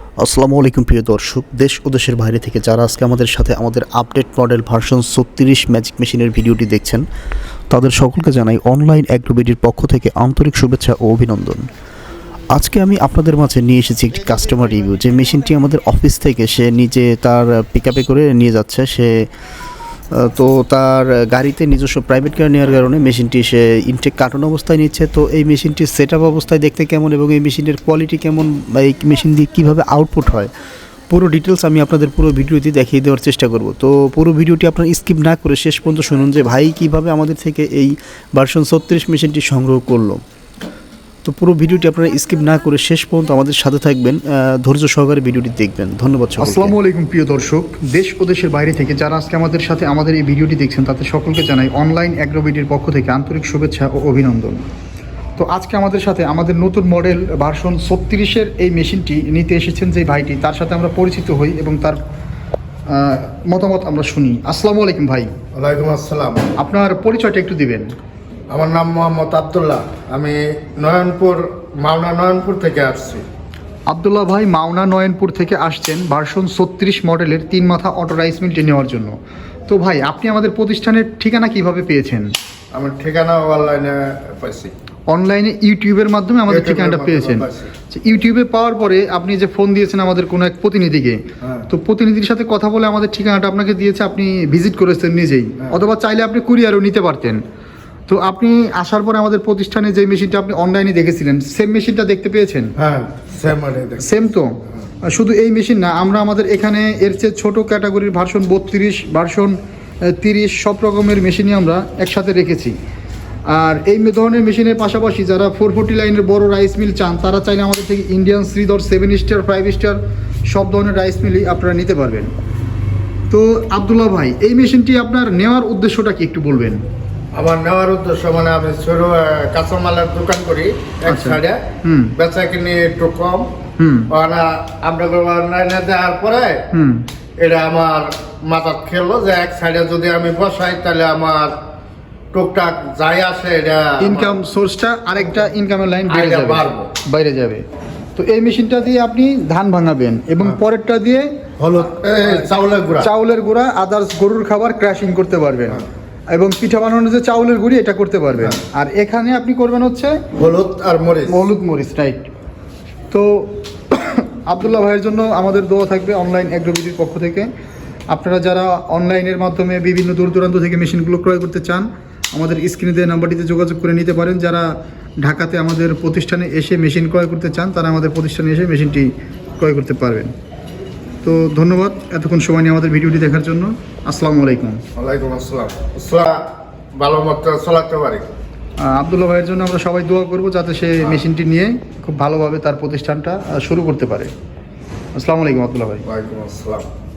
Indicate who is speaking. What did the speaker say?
Speaker 1: আসসালামু আলাইকুম প্রিয় দর্শক, দেশ ও দেশের বাইরে থেকে যারা আজকে আমাদের সাথে আমাদের আপডেট মডেল ভার্সন 36 ম্যাজিক মেশিনের ভিডিওটি দেখছেন, তাদের সকলকে জানাই অনলাইন অ্যাগ্রোবিডির পক্ষ থেকে আন্তরিক শুভেচ্ছা ও অভিনন্দন। আজকে আমি আপনাদের মাঝে নিয়ে এসেছি একটি কাস্টমার রিভিউ। যে মেশিনটি আমাদের অফিস থেকে সে নিজে তার পিকআপে করে নিয়ে যাচ্ছে। তো তার গাড়িতে নিজস্ব প্রাইভেট কার নেওয়ার কারণে মেশিনটি সে ইনটেক কার্টন অবস্থায় নিচ্ছে। তো এই মেশিনটির সেট আপ অবস্থায় দেখতে কেমন এবং এই মেশিনের কোয়ালিটি কেমন বা এই মেশিন দিয়ে কীভাবে আউটপুট হয়, পুরো ডিটেলস আমি আপনাদের পুরো ভিডিওটি দেখিয়ে দেওয়ার চেষ্টা করব। তো পুরো ভিডিওটি আপনার স্কিপ না করে শেষ পর্যন্ত শুনুন যে ভাই কীভাবে আমাদের থেকে এই ভার্সন 36 মেশিনটি সংগ্রহ করলো। তো পুরো ভিডিওটি আপনারা স্কিপ না করে শেষ পর্যন্ত আমাদের সাথে থাকবেন, ধৈর্য সহকারে ভিডিওটি দেখবেন। ধন্যবাদ সকলকে।
Speaker 2: আসসালামু আলাইকুম প্রিয় দর্শক, দেশ ও দেশের বাইরে থেকে যারা আজকে আমাদের সাথে আমাদের এই ভিডিওটি দেখছেন তাদের সকলকে জানাই অনলাইন অ্যাগ্রোবিডির পক্ষ থেকে আন্তরিক শুভেচ্ছা ও অভিনন্দন। তো আজকে আমাদের সাথে আমাদের নতুন মডেল ভার্সন 36-এর এই মেশিনটি নিতে এসেছেন যে ভাইটি, তার সাথে আমরা পরিচিত হই এবং তার মতামত আমরা শুনি। আসসালামু আলাইকুম ভাই।
Speaker 3: ওয়ালাইকুম আসসালাম।
Speaker 2: আপনার পরিচয়টা একটু দিবেন।
Speaker 3: আমার নাম মোহাম্মদ আবদুল্লাহ। আমি মাওনা নয়নপুর থেকে আসছি।
Speaker 2: আবদুল্লাহ ভাই মাওনা নয়নপুর থেকে আসছেন ভার্সন 36 মডেলের 3 মাথা অটো রাইস মিলটি নেওয়ার জন্য। তো ভাই, আপনি আমাদের প্রতিষ্ঠানের ঠিকানা কিভাবে পেয়েছেন?
Speaker 3: আমার ঠিকানা অনলাইনে পাইছি।
Speaker 2: অনলাইনে ইউটিউবের মাধ্যমে আমাদের ঠিকানাটা পেয়েছেন। ইউটিউবে পাওয়ার পরে আপনি যে ফোন দিয়েছেন আমাদের কোনো এক প্রতিনিধিকে, তো প্রতিনিধির সাথে কথা বলে আমাদের ঠিকানাটা আপনাকে দিয়েছে, আপনি ভিজিট করেছেন নিজেই, অথবা চাইলে আপনি কুরিয়ারও নিতে পারতেন। তো আপনি আসার পরে আমাদের প্রতিষ্ঠানে যে মেশিনটা আপনি অনলাইনে দেখেছিলেন, সেম মেশিনটা দেখতে পেয়েছেন?
Speaker 3: হ্যাঁ,
Speaker 2: সেম তো। শুধু এই মেশিন না, আমরা আমাদের এখানে এর চেয়ে ছোট ক্যাটাগরির ভার্সন 32, ভার্সন 30 সব রকমের মেশিনই আমরা একসাথে রেখেছি। আর এই ধরনের মেশিনের পাশাপাশি যারা 440 লাইনের বড় রাইস মিল চান, তারা চাইলে আমাদের থেকে ইন্ডিয়ান শ্রীধর 7 স্টার 5 স্টার সব ধরনের রাইস মিলই আপনারা নিতে পারবেন। তো আবদুল্লাহ ভাই, এই মেশিনটি আপনার নেওয়ার উদ্দেশ্যটা কি একটু বলবেন?
Speaker 3: আমার নেওয়ার উদ্দেশ্য মানে আমি ছোট কাঁচামালের দোকান করি এক সাইডে, বেচা কিনি একটু কম। আপনাকে অনলাইনে দেওয়ার পরে এটা আমার মাথা খেলো যে এক সাইডে যদি আমি বসাই তাহলে আমার টুকটাক যাই আসে, এটা
Speaker 2: ইনকাম সোর্সটা আরেকটা ইনকামের লাইন বাইরে যাবে। তো এই মেশিনটা দিয়ে আপনি ধান ভাঙাবেন এবং পরেরটা দিয়ে
Speaker 3: হলুদ
Speaker 2: চাউলের গুঁড়া আদার্স গরুর খাবার ক্র্যাশিং করতে পারবেন এবং পিঠা বানানোর যে চাউলের গুঁড়ি এটা করতে পারবেন। আর এখানে আপনি করবেন হচ্ছে হলুদ মরিচ, রাইট। তো আবদুল্লাহ ভাইয়ের জন্য আমাদের দোয়া থাকবে অনলাইন অ্যাগ্রোবিডির পক্ষ থেকে। আপনারা যারা অনলাইনের মাধ্যমে বিভিন্ন দূর দূরান্ত থেকে মেশিনগুলো ক্রয় করতে চান, আমাদের স্ক্রিনে দেওয়া নাম্বারটিতে যোগাযোগ করে নিতে পারেন। যারা ঢাকাতে আমাদের প্রতিষ্ঠানে এসে মেশিন ক্রয় করতে চান, তারা আমাদের প্রতিষ্ঠানে এসে মেশিনটি ক্রয় করতে পারবেন। তো ধন্যবাদ এতক্ষণ সময় নিয়ে আমাদের ভিডিওটি দেখার জন্য। আসসালামু আলাইকুম।
Speaker 3: ওয়ালাইকুম আসসালাম। ভালো মতো চলাতে পারি।
Speaker 2: আবদুল্লাহ ভাইয়ের জন্য আমরা সবাই দোয়া করব যাতে সে মেশিনটি নিয়ে খুব ভালোভাবে তার প্রতিষ্ঠানটা শুরু করতে পারে। আসসালামু আলাইকুম আবদুল্লাহ ভাই।
Speaker 3: ওয়ালাইকুম আসসালাম।